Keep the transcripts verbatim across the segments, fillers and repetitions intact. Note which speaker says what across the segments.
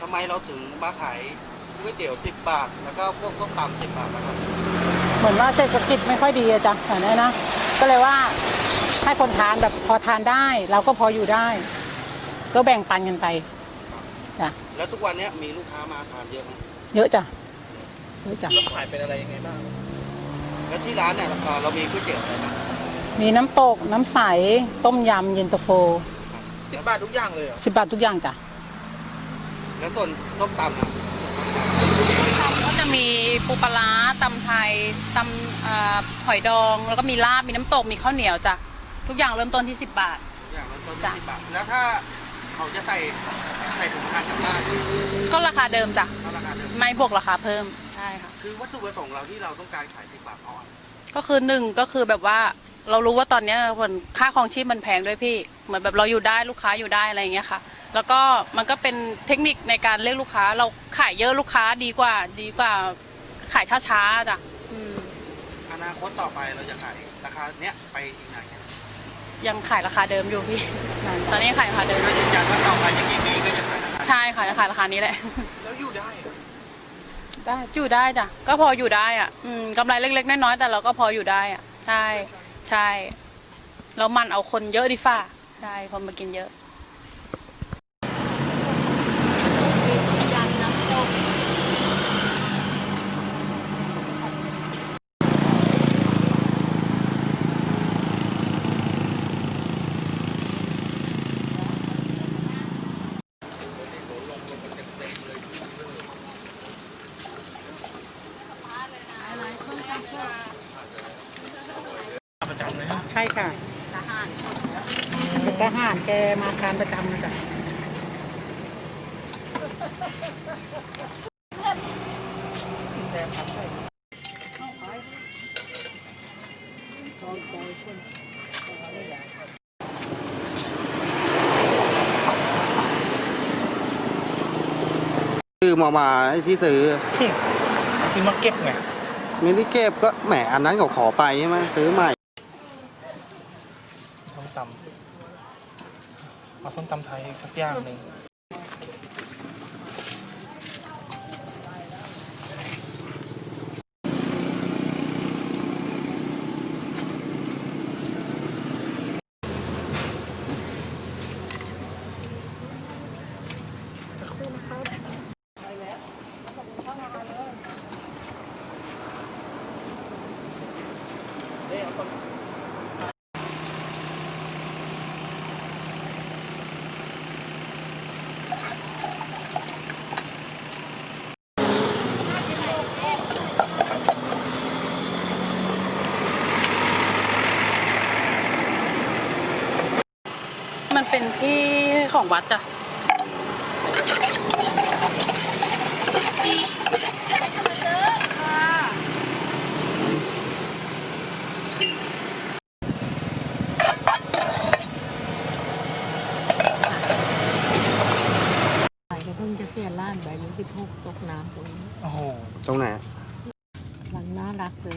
Speaker 1: ทำไมเราถึงมาขายก๋วยเตี๋ยวสิบบาทแล้วก็พวกส้มตำสิบบาทนะครับ
Speaker 2: เหมือนว่าเศรษฐกิจไม่ค่อยดีอะจ้ะแต่นี้นะก็เลยว่าให้คนทานแบบพอทานได้ เราก็พออยู่ได้ ก็แบ่งปันกันไปจ้ะ
Speaker 1: แล้วทุกวันนี้มีลูกค้ามาทานเยอะไหม
Speaker 2: เยอะจ้ะเยอะจ้ะ
Speaker 3: แล้วขายเป็นอะไรยังไงบ้าง
Speaker 1: แล้วที่ร้านเนี่ยเรามีก๋วยเตี๋ยวอะไรบ้าง
Speaker 2: มีน้ำตกน้ำใสต้มยำเย็นตาโฟ
Speaker 3: สิบบาททุกอย่างเลยเหรอ
Speaker 2: สิบบาททุกอย่างจ้ะ
Speaker 1: แล้วส่วนส้มตำอ่ะ
Speaker 4: ก็จะมีปูปลาร้าตำไทยตำหอยดองแล้วก็มีลาบมีน้ำตกมีข้าวเหนียวจ้ะทุกอย่างเริ่มต้นที่สิบบาท
Speaker 1: ทุกอย่างเริ่มต้นที่สิบบาทแล้วถ้าเขาจะใส่ใส่ถุงทานกลับบ้าน
Speaker 4: ก็ราคาเดิมจ้ะ
Speaker 1: ก็ราคาเดิม
Speaker 4: ไม่บวกราคาเพิ่มใช่ค่ะ
Speaker 1: คือวัตถุประสงค์เราที่เราต้องการขายสิบบาทเพราะอะไร
Speaker 4: ก็คือหนึ่งก็คือแบบว่าเรารู้ว่าตอนนี้คนค่าครองชีพมันแพงด้วยพี่เหมือนแบบเราอยู่ได้ลูกค้าอยู่ได้อะไรอย่างเงี้ยค่ะแล้วก็มันก็เป็นเทคนิคในการเรียกลูกค้าเราขายเยอะลูกค้าดีกว่าดีกว่าขายช้าๆจ้ะ
Speaker 1: อนาคตต่อไปเราจะขายราคาเนี้ยไปอีกนานแค่ไหน
Speaker 4: ยังขายราคาเดิมอยู่พี่ตอนนี้ขายราคาเดิม
Speaker 1: ก็ยืนยันว่าต่อไปจะกี่ปีก็จะขายราคา
Speaker 4: ใช่ค่ะจะขายราคานี้แหละ
Speaker 3: แล้วอยู่ได้
Speaker 4: ได้อยู่ได้จ้ะก็พออยู่ได้อ่ะอืมกำไรเล็กๆน้อยๆแต่เราก็พออยู่ได้อ่ะใช่ใช่แล้วมันเอาคนเยอะดิฟ่าใช่คนมากินเยอะ
Speaker 3: ประจำเลยฮะ
Speaker 2: ใช่ค่ะทหารทหารแกมาทานประจำนะจ๊ะ
Speaker 1: คือมามาที่ซื้อ
Speaker 3: ซื้อมาเก็บไง
Speaker 1: ไม่ได้เก็บก็แหมอันนั้นเขาขอไปใช่ไหมซื้อใหม่
Speaker 3: ส้มตำเอาส้มตำไทยสักอย่างหนึ่ง
Speaker 4: มันเป็นที่ของวัดจ้ะ
Speaker 2: เพิ่งจะเสียล้านใบอายุสิบหกตกน้ำตรงนี้
Speaker 3: โอ้โห
Speaker 1: ตรงไหน
Speaker 2: หลังน่ารักเลย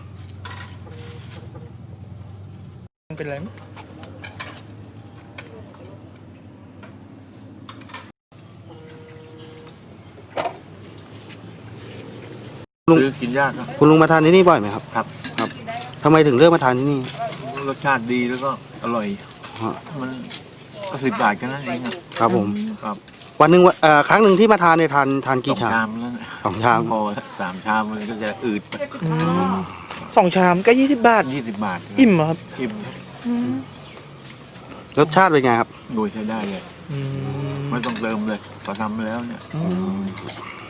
Speaker 3: มันเป็นอะไรมั้ย
Speaker 1: ลุง
Speaker 5: กินยากครับ
Speaker 1: คุณลุงมาทานที่นี่บ่อยไหมครับ
Speaker 5: ครับ
Speaker 1: ครับทำไมถึงเลือกมาทานที่นี่
Speaker 5: รสชาติดีแล้วก็อร่อยมันก็สิบบาทแค่นั้นเอง
Speaker 1: ครับผม
Speaker 5: ครับ
Speaker 1: วันหนึ่งเอ่อครั้งหนึ่งที่มาทานเนี่ยทานทานกี่ชาม
Speaker 5: สองชามแล้ว
Speaker 1: สองชาม
Speaker 5: พอสามชามมันก็จะอืด
Speaker 3: สองชามก็ยี่สิบบาท
Speaker 5: ยี่สิบบาท
Speaker 3: อิ่มเหรอครับ
Speaker 5: อิ่ม
Speaker 1: รสชาติเป็นไงครับ
Speaker 5: โดยใช้ได้เลยไม่ต้องเติมเลยพอทำไปแล้วเนี่ย